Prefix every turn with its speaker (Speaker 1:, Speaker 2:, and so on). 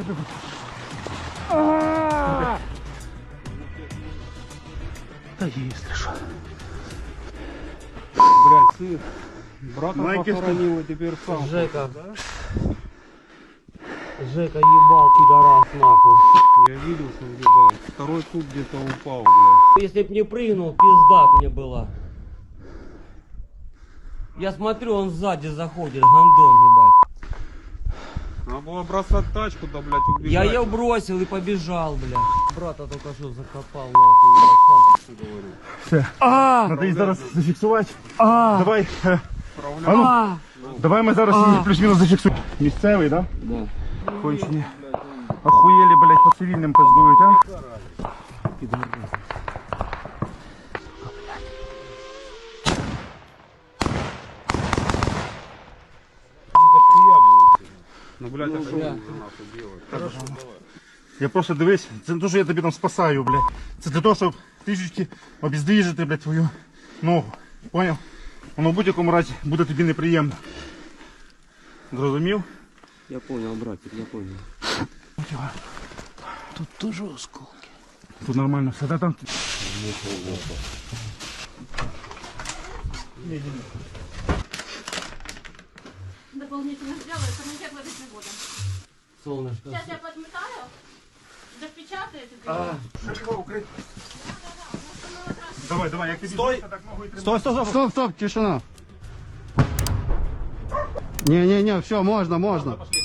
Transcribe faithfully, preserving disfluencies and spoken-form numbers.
Speaker 1: Да если что.
Speaker 2: Блядь, сын. Брата похоронил, и теперь сам.
Speaker 3: Жека. Да? Жека ебал, пидорас, нахуй.
Speaker 2: Я видел, что ебал. Второй куб где-то упал, блядь.
Speaker 3: Если б не прыгнул, пизда мне была. Я смотрю, он сзади заходит, гандон, ебать.
Speaker 2: Надо было бросать тачку, да, блядь, убегать.
Speaker 3: Я ее бросил и побежал, блядь. Брата только что закопал, нахуй, ебать, сам что говорю.
Speaker 1: Все. А, надо їх зараз зафіксувати. А, давай. Е, а ну,
Speaker 3: А,
Speaker 1: давай ми зараз їх плюс-мінус зафіксуємо. Місцевий, да?
Speaker 3: да.
Speaker 1: Кончені. Охуєлі, блядь, по цивільним пиздують, а?
Speaker 2: Ну, блядь, а что вы нахуй делаете? Хорошо, давай.
Speaker 1: Я просто дивись, це не те, що я тобі там спасаю, блядь. Це для того, щоб трішечки обіздвіжити, блядь, твою ногу. Поняв? Воно в будь-якому разі буде тобі неприємно. Зрозумів?
Speaker 3: Я понял, братик, я понял. Тут тоже осколки.
Speaker 1: Тут нормально все, да там?
Speaker 4: Дополнительно сделаю, комитет выдачи года.
Speaker 3: Солнышко.
Speaker 4: Сейчас я подметаю, запечатаете.
Speaker 3: А,
Speaker 1: Давай, давай, як тобі
Speaker 5: Стой!
Speaker 1: так ногу і тримай.
Speaker 5: Стой, стой, стой!
Speaker 6: Стоп, стоп, тишина. Не-не-не, все, можно, можно.
Speaker 1: Пошли.